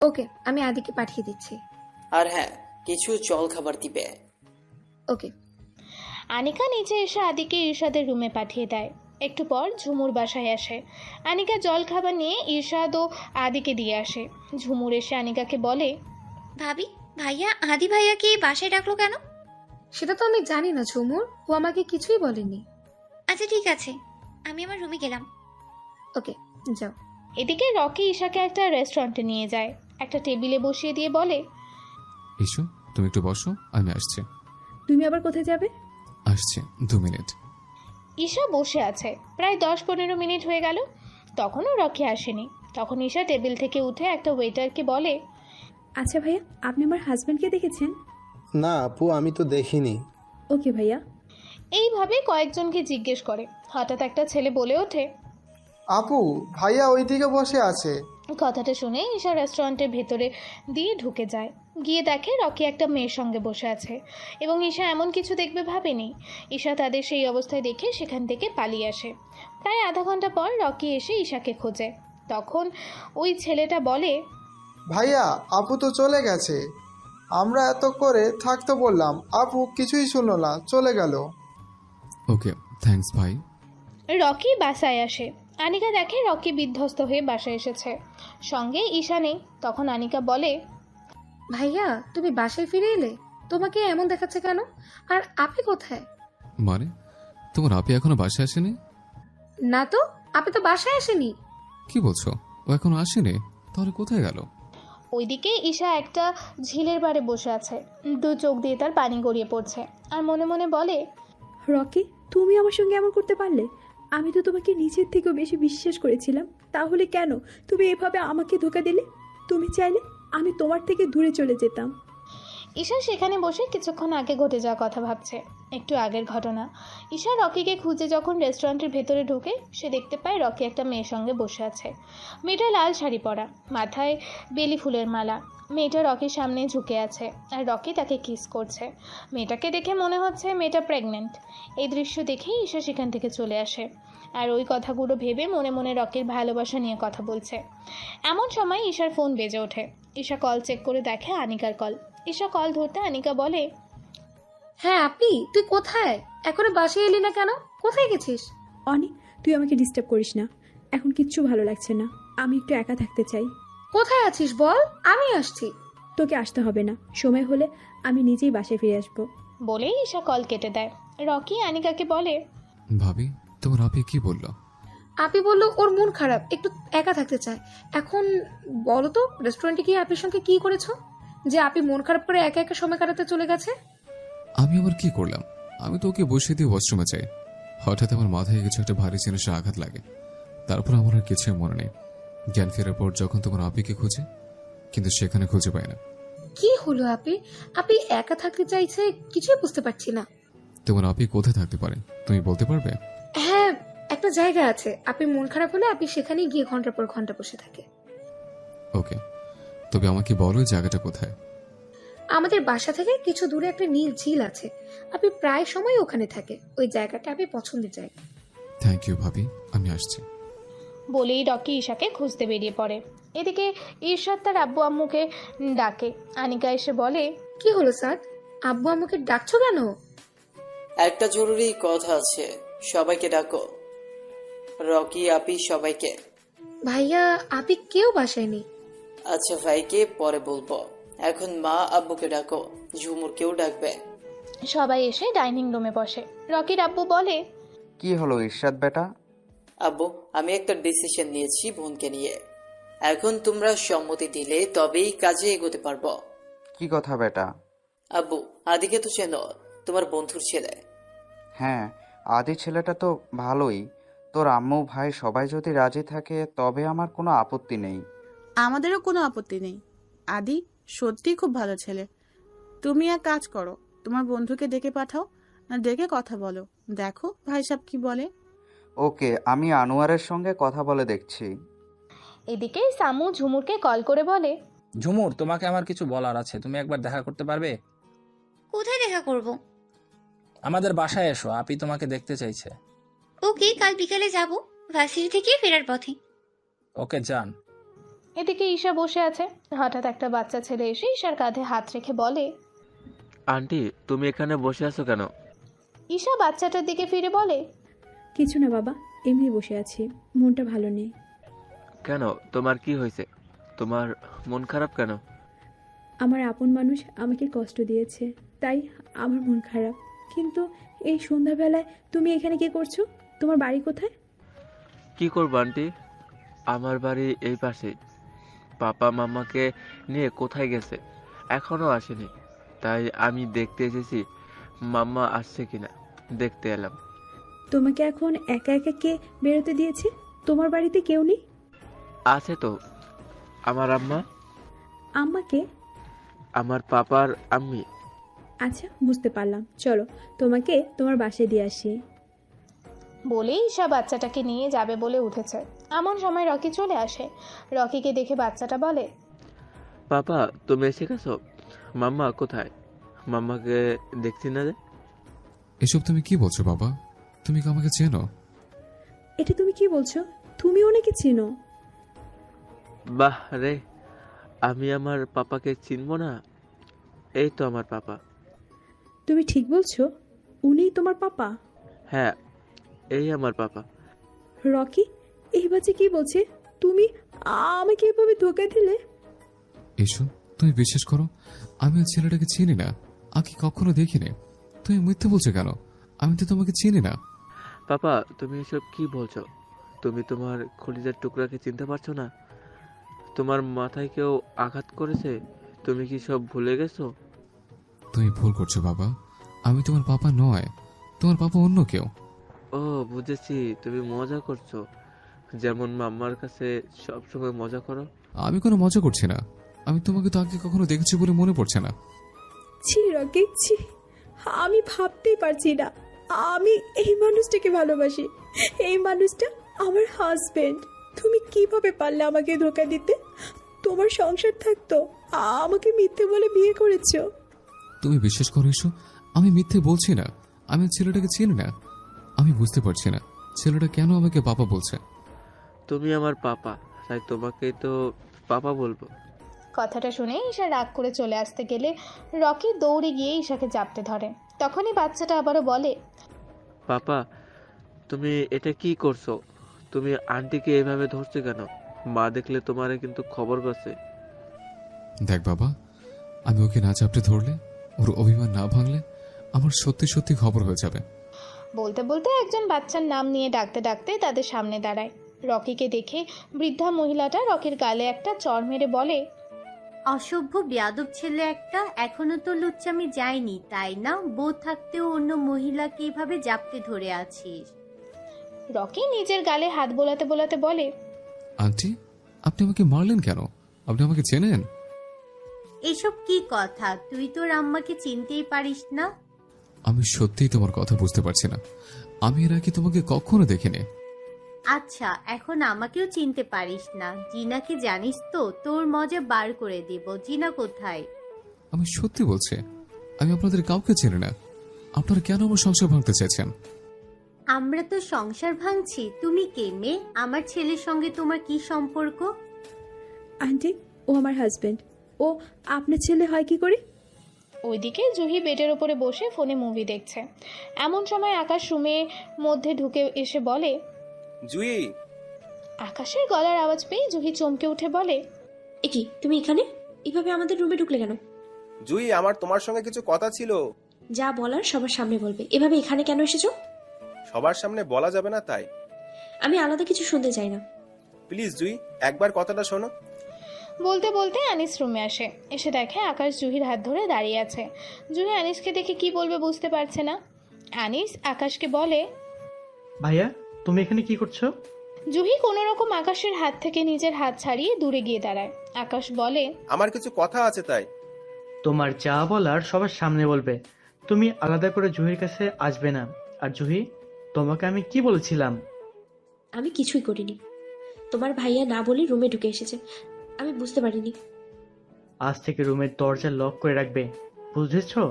ওকে, আমি আদিকে পাঠিয়ে দিচ্ছি। আর হ্যাঁ, কিছু জল খাবার দিবে। ওকে। আনিকা নিচে এসে আদিকে ইরশাদের রুমে পাঠিয়ে দেয়। একটু পর ঝুমুর বাসায় আসে। আনিকা জল খাবার নিয়ে ইরশাদ ও আদিকে দিয়ে আসে। ঝুমুর এসে আনিকাকে বলে, ভাবি, ভাইয়া আদি ভাইয়াকে বাসায় ডাকলো কেন? সেটা তো আমি জানি না ঝুমুর, ও আমাকে কিছুই বলেনি। আচ্ছা ঠিক আছে, আমি আমার রুমে গেলাম। ওকে, যাও। এদিকে রকি ঈশাকে একটা রেস্টুরেন্টে নিয়ে যায়। একটা টেবিলে বসিয়ে দিয়ে বলে, ইসু, তুমি একটু বসো, আমি আসছি। তুমি আবার কোথায় যাবে? আসছি, 2 মিনিট। ঈশা বসে আছে। প্রায় 10-15 মিনিট হয়ে গেল, তখনও রকি আসেনি। তখন ঈশা টেবিল থেকে উঠে একটা ওয়েটারকে বলে, আচ্ছা ভাইয়া, আপনি আমার হাজব্যান্ডকে দেখেছেন? না আপু, আমি তো দেখিনি। ওকে ভাইয়া। এইভাবে কয়েকজনকে জিজ্ঞেস করে। হঠাৎ একটা ছেলে বলে ওঠে, আপু, ভাইয়া ওইদিকে বসে আছে। কথাটা শুনে ঈশা রেস্টুরেন্টের ভেতরে দিয়ে ঢুকে যায়। গিয়ে দেখে রকি একটা মেয়ের সঙ্গে বসে আছে এবং ঈশা এমন কিছু দেখবে ভাবেনি। ঈশা তাদের সেই অবস্থায় দেখে সেখান থেকে পালিয়ে আসে। প্রায় আধা ঘন্টা পর রকি এসে ঈশাকে খোঁজে। তখন ওই ছেলেটা বলে, ভাইয়া, আপু তো চলে গেছে। আমরা এত করে থাকতে বললাম, আপু কিছুই শুনলো না, চলে গেল। ওকে, থ্যাঙ্কস ভাই। রকি বাসায় আসে। আনিকা দেখে রকি বিধ্বস্ত হয়ে বাসায় এসেছে, সঙ্গে ঈশা নেই। তখন আনিকা বলে, ভাইয়া, তুমি বাসায় ফিরে এলে? তোমাকে এমন দেখাচ্ছে কেন? আর আপনি কোথায়? মানে, তোমার আপি এখনো বাসায় আসেনি? না তো, আপনি তো বাসায় আসেনি। কি বলছো? ও এখনো আসেনি? তাহলে কোথায় গেল? ওইদিকে ঈশা একটা ঝিলের পাড়ে বসে আছে। দু চোখ দিয়ে তার পানি গড়িয়ে পড়ছে আর মনে মনে বলে, রকি, তুমি আমার সঙ্গে এমন করতে পারলে? আমি তো তোমাকে নিজের থেকেও বেশি বিশ্বাস করেছিলাম, তাহলে কেন তুমি এভাবে আমাকে ধোঁকা দিলে? তুমি চাইলে আমি তোমার থেকে দূরে চলে যেতাম। ঈশা সেখানে বসে কিছুক্ষণ আগে ঘটে যাওয়া কথা ভাবছে। একটু আগের ঘটনা। ঈশা রকিকে খুঁজে যখন রেস্টুরেন্টের ভেতরে ঢুকে, সে দেখতে পায় রকি একটা মেয়ের সঙ্গে বসে আছে। মেয়েটা লাল শাড়ি পরা, মাথায় বেলি ফুলের মালা। মেয়েটা রকির সামনে ঝুঁকে আছে আর রকি তাকে কিস করছে। মেয়েটাকে দেখে মনে হচ্ছে মেয়েটা প্রেগনেন্ট। এই দৃশ্য দেখেই ঈশা সেখান থেকে চলে আসে আর ওই কথাগুলো ভেবে মনে মনে রকির ভালোবাসা নিয়ে কথা বলছে। এমন সময় ঈশার ফোন বেজে ওঠে। ঈশা কল চেক করে দেখে আনিকার কল। ঈশা কল ধরতে আনিকা বলে, হ্যাঁ আপনি, তুই কোথায়? এখনো বাসায় এলি না কেন? কোথায় গেছিস? অনি, তুই আমাকে ডিস্টার্ব করিস না। এখন কিচ্ছু ভালো লাগছে না, আমি একটু একা থাকতে চাই। কোথায় আছিস বল, আমি আসছি। তোকে আসতে হবে না, সময় হলে আমি নিজেই বাসায় ফিরে আসবো। বলেই ঈশা কল কেটে দেয়। রকি আনিকাকে বলে, ভাবি, তোমার আপি কি বললো? আপি বললো ওর মন খারাপ, একটু একা থাকতে চায়। এখন বলো তো, রেস্টুরেন্টে গিয়ে আপির সঙ্গে কি করেছো যে আপি মন খারাপ করে একা একা সময় কাটাতে চলে গেছে? আমি আবার কি করলাম? আমি তো ওকে বসিয়ে দিয়ে ওয়াশরুমে যাই। হঠাৎ আমার মাথায় কিছু একটা ভারী জিনিসের আঘাত লাগে। তারপর আমার আর কিছুই মনে নেই। জ্ঞান ফেরার পর যখন তোমার আপিকে খুঁজে, কিন্তু সেখানে খুঁজে পাই না। কি হলো আপি? আপি একা থাকতে চাইছে, কিছুই বুঝতে পারছি না। তোমার আপি কোথায় থাকতে পারে, তুমি বলতে পারবে? হ্যাঁ, একটা জায়গা আছে, আপনি মন খারাপ হলে আপনি সেখানেই গিয়ে ঘন্টার পর ঘন্টা বসে থাকে। ওকে, তবে আমাকে বলো এই জায়গাটা কোথায়? আমাদের বাসা থেকে কিছু দূরে একটা নীল ঝিল আছে, আপনি প্রায় সময় ওখানে থাকে। ওই জায়গাটা আপনি পছন্দের জায়গা। থ্যাংক ইউ ভাবি, আমি আসছি। বলেই রকি ঈশাকে খুঁজতে বেরিয়ে পড়ে। এদিকে ঈশাদ তার আব্বু আম্মুকে ডাকে। আনিকা এসে বলে, কি হলো স্যার, আব্বু আম্মুকে ডাকছো কেন? একটা জরুরি কথা আছে, সবাইকে ডাকো। রকি, আপি, সবাইকে। ভাইয়া, আপনি কেউ বাসায় নেই। আচ্ছা ভাইকে পরে বলবো, এখন মা আব্বুকে ডাকো, ঝুমুরকেও ডাকবে। সবাই এসে ডাইনিং রুমে বসে। রকির আব্বু বলে, কি হলো ইরশাদ বেটা? আব্বু, আমি একটা ডিসিশন নিয়েছি বোনকে নিয়ে। এখন তোমরা সম্মতি দিলে তবেই কাজে এগোতে পারবো। কি কথা বেটা? আব্বু, আদিকে তো চেনো, তোমার বন্ধুর ছেলে। হ্যাঁ, আদি ছেলেটা তো ভালোই। তোর আম্মু ভাই সবাই যদি রাজি থাকে তবে আমার কোনো আপত্তি নেই। আমাদেরও কোনো আপত্তি নেই। আদি সত্যিই খুব ভালো ছেলে। তুমি এক কাজ করো, তোমার বন্ধুকে ডেকে পাঠাও, ডেকে কথা বলো, দেখো ভাই সাহেব কি বলে। ওকে, আমি আনোয়ারের সঙ্গে কথা বলে দেখছি। এদিকে সামু ঝুমুরকে কল করে বলে, ঝুমুর, তোমাকে আমার কিছু বলার আছে, তুমি একবার দেখা করতে পারবে? কোথায় দেখা করব? আমাদের বাসায় এসো, আপি তোমাকে দেখতে চাইছে। ওকে, কাল বিকালে যাব, ভার্সিটি থেকে ফেরার পথে। ওকে, যান। এদিকে ঈশা বসে আছে। হঠাৎ একটা বাচ্চা ছেলে এসে ঈশার কাঁধে হাত রেখে বলে, আন্টি তুমি এখানে বসে আছো কেন? ঈশা বাচ্চাটার দিকে ফিরে বলে, কিছু না বাবা, এমনি বসে আছি, মনটা ভালো নেই। কেন, তোমার কি হয়েছে? তোমার মন খারাপ কেন? আমার আপন মানুষ আমাকে কষ্ট দিয়েছে, তাই আমার মন খারাপ। কিন্তু এই সন্ধ্যাবেলায় তুমি এখানে কি করছো? তোমার বাড়ি কোথায়? কি করবো আন্টি, আমার বাড়ি এই পাশে। পাপা মামাকে নিয়ে কোথায় গেছে এখনো আসেনি, তাই আমি দেখতে এসেছি মাম্মা আসছে কিনা, দেখতে এলাম। তোমাকে এখন একা একা কে বেরোতে দিয়েছে? তোমার বাড়িতে কেউ নেই? আছে তো, আমার আম্মা, আম্মাকে? আমার পাপার আম্মি। আচ্ছা, বুঝতে পারলাম, চলো তোমাকে তোমার বাসায় দিয়ে আসি। বলে ঈশা বাচ্চাটাকে নিয়ে যাবে বলে উঠেছে। এমন সময় রকি চলে আসে। রকিকে দেখে বাচ্চাটা বলে, পাপা তুমি এসে গেছো? মাম্মা কোথায়? মাম্মাকে দেখছি না যে। এসব তুমি কি বলছো বাবা? তুমি কি আমাকে চেনো? এটা তুমি কি বলছো? তুমি ওনাকে চিনো? বাহ রে, আমি আমার পাপাকে চিনবো না? এই তো আমার পাপা। তুমি ঠিক বলছো? উনিই তোমার পাপা? হ্যাঁ, এই আমার পাপা। রকি, এই বাচ্চা কি বলছে? তুমি আমাকে এভাবে ধোকা দিলে? এসো, তুমি বিশ্বাস করো, আমি ওই ছেলেটাকে চিনি না, আগে কখনো দেখিনি। তুমি মিথ্যে বলছো কেন? আমি তো তোমাকে চিনি না। পাপা তুমি এসব কি বলছো? তুমি তোমার খলিজার টুকরাকে চিনতে পারছো না? তোমার মাথায় কেউ আঘাত করেছে, তুমি কি সব ভুলে গেছো? তুমি ভুল করছো বাবা, আমি তোমার পাপা নয়, তোমার পাপা অন্য কেউ। ও বুঝেছি, তুমি মজা করছো, যেমন মাম্মার কাছে সব সময় মজা করো। আমি কোনো মজা করছি না, আমি তোমাকে তো আগে কখনো দেখেছি বলে মনে পড়ছে না। ছি রকি, ছি, আমি ভাবতেই পারছি না আমি এই মানুষটাকে ভালোবাসি। এই মানুষটা আমার হাজবেন্ড। তুমি কিভাবে পারলে আমাকে ধোকা দিতে? তোমার সংসার থাকতো, আমাকে মিথ্যে বলে বিয়ে করেছো। তুমি বিশ্বাস করো এসো, আমি মিথ্যে বলছি না, আমি ছেলেটাকে চিনি না। আমি বুঝতে পারছি না ছেলেটা কেন আমাকে পাপা বলছে। তুমি আমার পাপা, তাই তোমাকেই তো পাপা বলবো। কথাটা শুনে ঈশা রাগ করে চলে আসতে গেলে রকি দৌড়ে গিয়ে ঈশাকে জাপটে ধরে। তখনই বাচ্চাটা আবারও বলে, পাপা তুমি এটা কি করছো? তুমি আন্টিকে এভাবে ধরছো কেন? মা দেখলে তোমারে কিন্তু খবর করছে। দেখ বাবা, আমি ওকে না চাপটে ধরলে, ওর অভিমান না ভাঙলে আমার সত্যি সত্যি খবর হয়ে যাবে। বলতে বলতে একজন বাচ্চার নাম নিয়ে ডাকতে ডাকতে তাদের সামনে দাঁড়ায়। রকিকে দেখে বৃদ্ধা মহিলাটা রকির গালে একটা চড় মেরে বলে, অসভ্য বেয়াদব ছেলে একটা, এখনো তো লুচ্চামি যায়নি তাই না? বউ থাকতেও অন্য মহিলাকে এভাবে জাপটে ধরে আছিস। রকি নিজের গালে হাত বোলাতে বোলাতে বলে, আন্টি, আপনি আমাকে মারলেন কেন? আপনি আমাকে চেনেন? এসব কি কথা, তুই তোর আম্মাকে চিনতেই পারিস না? আমি সত্যিই তোমার কথা বুঝতে পারছি না, আমি এর আগে তোমাকে কখনো দেখিনি। আচ্ছা, এখন আমাকেও চিনতে পারিস না? জিনাকে জানিস তো? তোর মজা বার করে দিব। জিনা কোথায়? আমি সত্যি বলছি, আমি আপনাদের কাউকে চিনি না। আপনারা কেন আমার সংসার ভাঙতে চাইছেন? আমরা তো সংসার ভাঙছি, তুমি কে মেয়ে? আমার ছেলের সঙ্গে তোমার কি সম্পর্ক? আন্টি, ও আমার হাজবেন্ড। ও আপনার ছেলে হয় কি করে? ওইদিকে জুহি বেডের ওপরে বসে ফোনে মুভি দেখছে। এমন সময় আকাশ রুমের মধ্যে ঢুকে এসে বলে, জুই। আকাশের গলার আওয়াজ পেয়ে জুহি চমকে উঠে বলে, এ কি, তুমি এখানে এভাবে আমাদের রুমে ঢুকলে কেন? জুই, আমার তোমার সঙ্গে কিছু কথা ছিল। যা বলার সবার সামনে বলবে, এভাবে এখানে কেন এসেছো? সবার সামনে বলা যাবে না তাই। আমি আলাদা কিছু শুনতে চাই না। প্লিজ জুই, একবার কথাটা শোনো। বলতে বলতে আনিস রুমে আসে। এসে দেখে আকাশ জুহির হাত ধরে দাঁড়িয়ে আছে। জুহি আনিসকে দেখে কি বলবে বুঝতে পারছে না। আনিস আকাশকে বলে, ভাইয়া তুমি এখানে কি করছো? জুহি কোনো রকম আকাশের হাত থেকে নিজের হাত ছাড়িয়ে দূরে গিয়ে দাঁড়ায়। আকাশ বলে, আমার কিছু কথা আছে তাই। তোমার যা বলার সবার সামনে বলবে, তুমি আলাদা করে জুহির কাছে আসবে না। আর জুহি, তোমাকে আমি কি বলেছিলাম? আমি কিছুই করিনি। তোমার ভাইয়া না বলে রুমে ঢুকে এসেছে, আমি বুঝতে পারিনি। আজ থেকে রুমের দরজা লক করে রাখবে, বুঝেছো?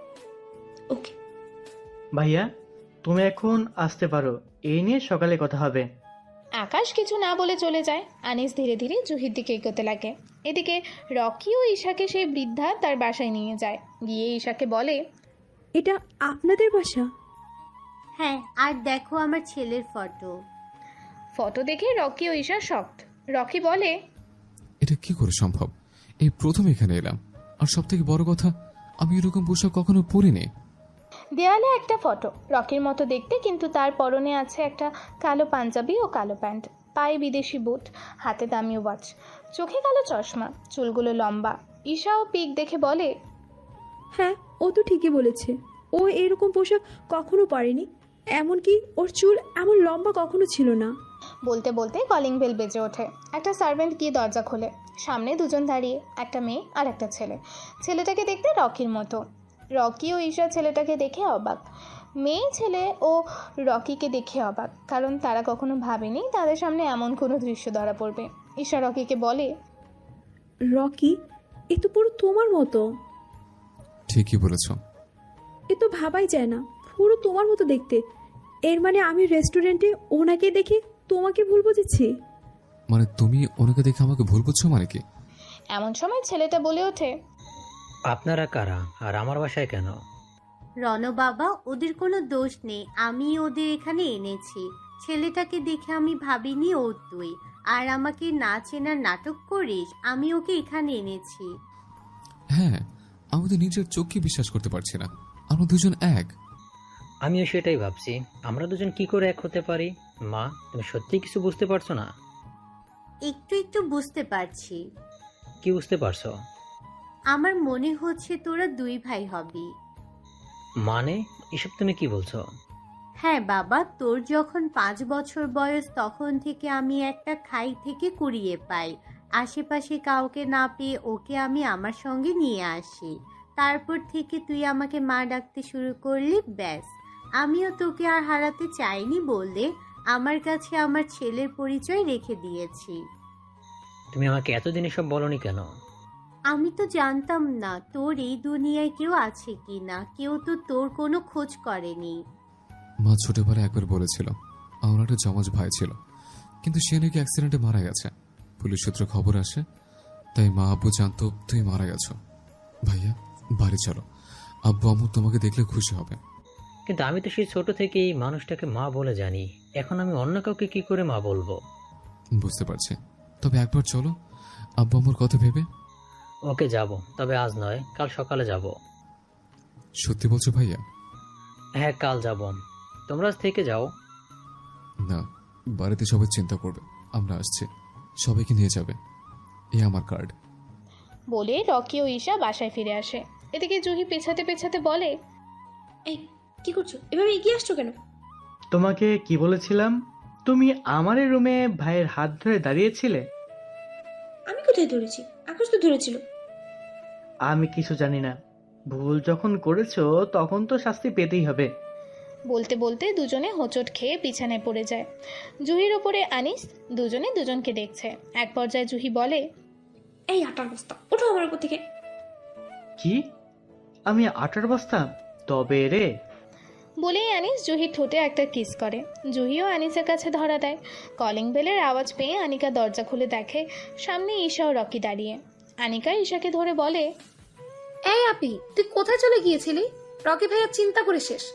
ওকে ভাইয়া, তুমি এখন আসতে পারো, এই নিয়ে সকালে কথা হবে। আকাশ কিছু না বলে চলে যায়। আনিস ধীরে ধীরে জুহির দিকে এগোতে লাগে। এদিকে রকি ও ঈশাকে সেই বৃদ্ধা তার বাসায় নিয়ে যায়। গিয়ে ঈশাকে বলে, এটা আপনাদের বাসা? হ্যাঁ, আর দেখো আমার ছেলের ফটো। ফটো দেখে রকি ও ঈশা শকড। রকি বলে, এটা কি করে সম্ভব? এই প্রথম এখানে এলাম, আর সব থেকে বড় কথা, আমি এরকম পোশাক কখনো পরিনি। দেয়ালে একটা ফটো, রকির মতো দেখতে, কিন্তু তার পরনে আছে একটা কালো পাঞ্জাবি ও কালো প্যান্ট, পায়ে বিদেশি বুট, হাতে দামি ওয়াচ, চোখে কালো চশমা, চুলগুলো লম্বা। ঈশা ও পিক দেখে বলে, হ্যাঁ, ও তো ঠিকই বলেছে। ও এরকম পোশাক কখনো পরেনি, এমনকি ওর চুল এমন লম্বা কখনো ছিল না। বলতে বলতে কলিং বেল বেজে ওঠে। একটা সার্ভেন্ট গিয়ে দরজা খোলে। সামনে দুজন দাঁড়িয়ে, একটা মেয়ে আর একটা ছেলে। ছেলেটাকে দেখতে রকির মতো। রকি ও ঈশা ছেলেটাকে দেখে অবাক। মেয়ে ছেলে ও রকিকে দেখে অবাক, কারণ তারা কখনো ভাবেনি তাদের সামনে এমন কোনো দৃশ্য ধরা পড়বে। ঈশা রকিকে বলে, রকি, এ তো পুরো তোমার মতো। ঠিকই বলেছ। এ তো ভাবাই যায় না, পুরো তোমার মতো দেখতে। এর মানে আমি রেস্টুরেন্টে ওনাকে দেখে তোমাকে ভুল বুঝেছি? মানে তুমি ওনাকে দেখে আমাকে ভুল বুঝছো মানে কি? এমন সময় ছেলেটা বলে ওঠে, আপনারা কারা আর আমার বাসায় কেন? রণ বাবা, ওদের কোনো দোষ নেই, আমি ওদের এখানে এনেছি। ছেলেটাকে দেখে আমি ভাবিনি ও তুই, আর আমাকে না চেনার নাটক করিস। আমি ওকে এখানে এনেছি। হ্যাঁ, আমি তো নিজের চোখকে বিশ্বাস করতে পারছি না, আমরা দুজন এক। আমিও সেটাই ভাবছি, আমরা দুজন কি করে এক হতে পারি? মা, তুমি সত্যি কিছু বুঝতে পারছো না? একটু একটু বুঝতে পারছি। কি বুঝতে পারছো? আমার মনে হচ্ছে তোরা দুই ভাই হবি। মানে এসব তুমি কি বলছো? হ্যাঁ বাবা, তোর যখন 5 বছর বয়স তখন থেকে আমি একটা খাই থেকে কুড়িয়ে পাই। আশেপাশে কাউকে না পেয়ে ওকে আমি আমার সঙ্গে নিয়ে আসি। তারপর থেকে তুই আমাকে মা ডাকতে শুরু করলি, ব্যাস। আমিও তোকে আর হারাতে চাইনি বললে আমার কাছে আমার ছেলের পরিচয় রেখে দিয়েছি। তুমি আমাকে এতদিন এসব বলনি কেন? আমি তো জানতাম না তোর এই দুনিয়ায় কেউ আছে কি না, কেউ তো তোর কোনো খোঁজ করেনি। মা ছোটবেলায় একবার বলেছিল আমার একটা জমজ ভাই ছিল, কিন্তু সে নাকি অ্যাক্সিডেন্টে মারা গেছে। পুলিশ সূত্রে খবর আসে, তাই মা আব্বু জানতো তুমি মারা গেছো। ভাইয়া, বাড়ি চলো, আব্বু আম্মু তোমাকে দেখলে খুশি হবে। কিন্তু আমি তো সেই ছোট থেকেই মানুষটাকে মা বলে জানি, এখন আমি অন্য কাউকে কি করে মা বলবো? বুঝতে পারছি, তবে একবার চলো, আব্বু আম্মুর কথা ভেবে। ওকে, যাব, তবে আজ নয়, কাল সকালে যাব। সত্যি বলছো ভাইয়া? হ্যাঁ, কাল যাব। তোমরা আজ থেকে যাও। না, বাড়িতে সবাই চিন্তা করবে আমরা আসছি, সবাইকে নিয়ে যাবে। এই আমার কার্ড। বলে রকি ও ঈশা বাসায় ফিরে আসে। এদিকে জুহি পেছাতে পেছাতে বলে, এই কি করছো? এভাবে এগিয়ে আসছো কেন? তোমাকে কি বলেছিলাম? তুমি আমার রুমে ভাইয়ের হাত ধরে দাঁড়িয়েছিলে। আমি কোথায় ধরেছি? আকাশ তো ধরেছিল। আমি কিছু জানি না, ভুল যখন করেছো তখন তো শাস্তি পেতেই হবে। বলতে বলতে দুজনে হোঁচট খেয়ে বিছানায় পড়ে যায়। জুহির ওপরে আনিস, দুজনে দুজনকে দেখছে। এক পর্যায়ে জুহি বলে, এই আটার বস্তা, ওঠো আমার উপর থেকে। কি? আমি আটার বস্তা? তবে রে। বলেই আনিস জুহির ঠোঁটে একটা কিস করে। জুহিও আনিসের কাছে ধরা দেয়। কলিং বেলের আওয়াজ পেয়ে আনিকা দরজা খুলে দেখে সামনে ঈশা ও রকি দাঁড়িয়ে। আনিকা ঈশাকে ধরে বলে, এই আপি, তুই কোথায় চলে গিয়েছিলি? রকি ভাইয়া চিন্তা করে শেষ।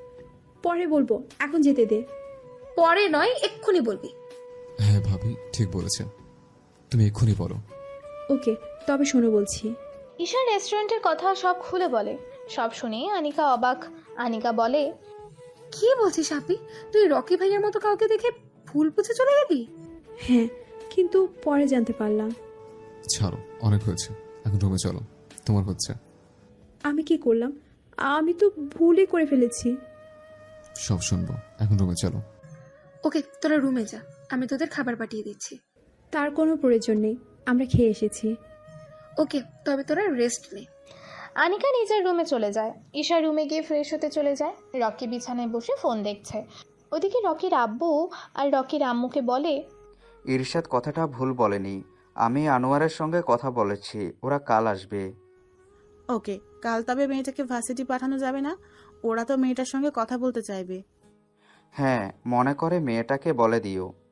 পরে বলবো, এখন যেতে দে। পরে নয়, এক্ষুনি বলবি। হ্যাঁ ভাবি, ঠিক বলেছেন, তুমি এক্ষুনি বলো। ওকে, তবে শোনো বলছি। ঈশা রেস্টুরেন্টের কথা সব খুলে বলে। সব শুনে আনিকা অবাক। আনিকা বলে, কি বলছিস আপি? তুই রকি ভাইয়ের মতো কাউকে দেখে ভুল বুঝে চলে গেলি? হ্যাঁ, কিন্তু পরে জানতে পারলাম। ছাড়ো, অনেক হয়েছে, এখন রুমে চলো, তোমার হচ্ছে। আমি কি করলাম? আমি তো ভুলই করে ফেলেছি। সব শুনবো, এখন রুমে চলো। ওকে, তোরা রুমে যা, আমি তোদের খাবার পাঠিয়ে দিচ্ছি। তার কোনো প্রয়োজন নেই, আমরা খেয়ে এসেছি। ওকে, তবে তোরা রেস্ট নে। আনিকা নিজের রুমে চলে যায়। ঈশা রুমে গিয়ে ফ্রেশ হতে চলে যায়। রকি বিছানায় বসে ফোন দেখছে। ওদিকে রকির আব্বু আর রকির আম্মুকে বলে, ইরশাদ কথাটা ভুল বলেনি, আমি আনোয়ারের সঙ্গে কথা বলেছি, ওরা কাল আসবে। ওকে, কাল তবে মেয়েটাকে ভার্সিটি পাঠানো যাবে না? ওরা তো মেয়েটার সঙ্গে কথা বলতে চাইবে। হ্যাঁ, মনে করে মেয়েটাকে বলে দিও।